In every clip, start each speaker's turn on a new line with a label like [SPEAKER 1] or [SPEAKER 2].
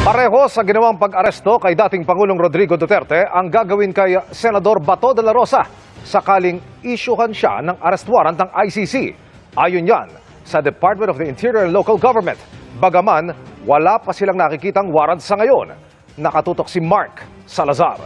[SPEAKER 1] Pareho sa ginawang pag-aresto kay dating Pangulong Rodrigo Duterte ang gagawin kay Senador Bato de la Rosa sakaling isyuhan siya ng arrest warrant ng ICC. Ayon yan sa Department of the Interior and Local Government. Bagaman, wala pa silang nakikitang warrant sa ngayon. Nakatutok si Mark Salazar.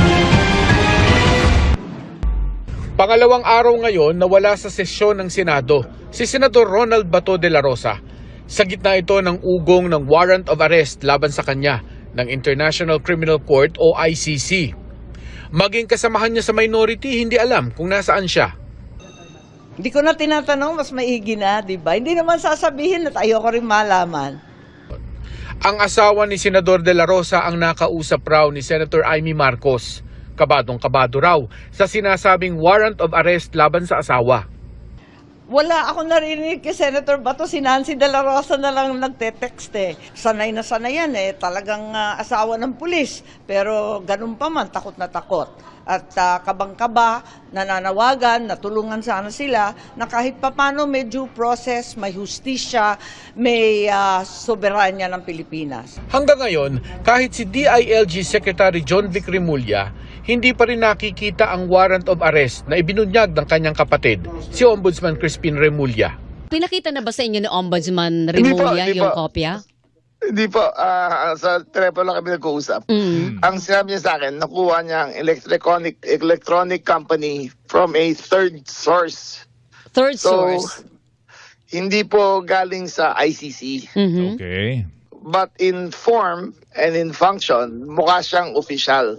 [SPEAKER 2] Pangalawang araw ngayon na wala sa sesyon ng Senado si Senador Ronald Bato de la Rosa. Sa gitna ito ng ugong ng warrant of arrest laban sa kanya ng International Criminal Court o ICC. Maging kasamahan niya sa minority, hindi alam kung nasaan siya.
[SPEAKER 3] Hindi ko na tinatanong, mas maigi na, di ba? Hindi naman sasabihin at ayoko rin malaman.
[SPEAKER 2] Ang asawa ni Senador de la Rosa ang nakausap raw ni Senator Amy Marcos. Kabadong-kabado raw sa sinasabing warrant of arrest laban sa asawa.
[SPEAKER 3] Wala ako narinig kay Senator Bato, si Nancy de la Rosa na lang nagte-text eh. Sanay na sanay yan eh, talagang asawa ng pulis. Pero ganun pa man, takot na takot. At kabang-kaba, nananawagan, natulungan sana sila na kahit papano may due process, may hustisya, may soberanya ng Pilipinas.
[SPEAKER 2] Hanggang ngayon, kahit si DILG Secretary John Vic Remulla, hindi pa rin nakikita ang warrant of arrest na ibinunyag ng kanyang kapatid, si Ombudsman Crispin Remulla.
[SPEAKER 4] Pinakita na ba sa inyo ni Ombudsman Remulla yung kopya?
[SPEAKER 5] Hindi po, sa telepono lang kami nag-uusap. Ang sinabi niya sa akin, nakuha niya ang electronic company from a third source.
[SPEAKER 4] Third
[SPEAKER 5] So,
[SPEAKER 4] source.
[SPEAKER 5] hindi po galing sa ICC.
[SPEAKER 6] Okay.
[SPEAKER 5] But in form and in function, mukha siyang official.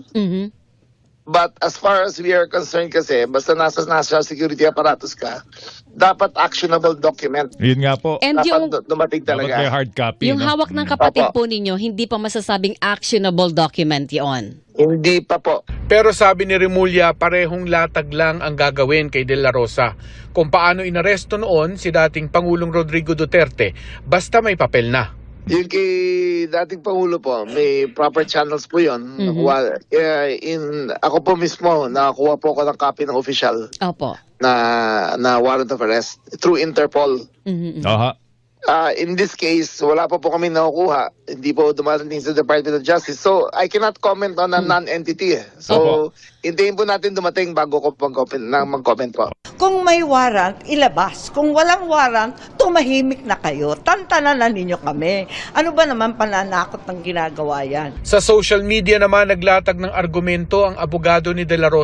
[SPEAKER 5] But as far as we are concerned kasi, basta nasa national security apparatus ka, dapat actionable document.
[SPEAKER 6] Yun nga po.
[SPEAKER 4] And yung,
[SPEAKER 5] Dapat dumating
[SPEAKER 6] Dapat may
[SPEAKER 5] talaga.
[SPEAKER 6] hard copy.
[SPEAKER 4] yung
[SPEAKER 6] no?
[SPEAKER 4] hawak ng kapatid
[SPEAKER 5] Opo.
[SPEAKER 4] po ninyo, hindi pa masasabing actionable document yon.
[SPEAKER 5] Hindi pa po.
[SPEAKER 2] Pero sabi ni Remulla, parehong latag lang ang gagawin kay De La Rosa kung paano inaresto noon si dating Pangulong Rodrigo Duterte basta may papel na.
[SPEAKER 5] Yung kay dating Pangulo po, may proper channels po yun. Nakuha, ako po mismo, nakakuha po ako ng copy ng official
[SPEAKER 4] Opo.
[SPEAKER 5] na warrant of arrest through Interpol.
[SPEAKER 6] Aha.
[SPEAKER 5] In this case, wala pa po kami nakukuha. Hindi po dumarating sa Department of Justice. So, I cannot comment on a non-entity. So, hintayin po natin dumating bago ko mag-comment po.
[SPEAKER 3] Kung may warrant, ilabas. Kung walang warrant, tumahimik na kayo. Tantanan na ninyo kami. Ano ba naman pananakot ng ginagawa yan?
[SPEAKER 2] Sa social media naman naglatag ng argumento ang abogado ni De La Rosa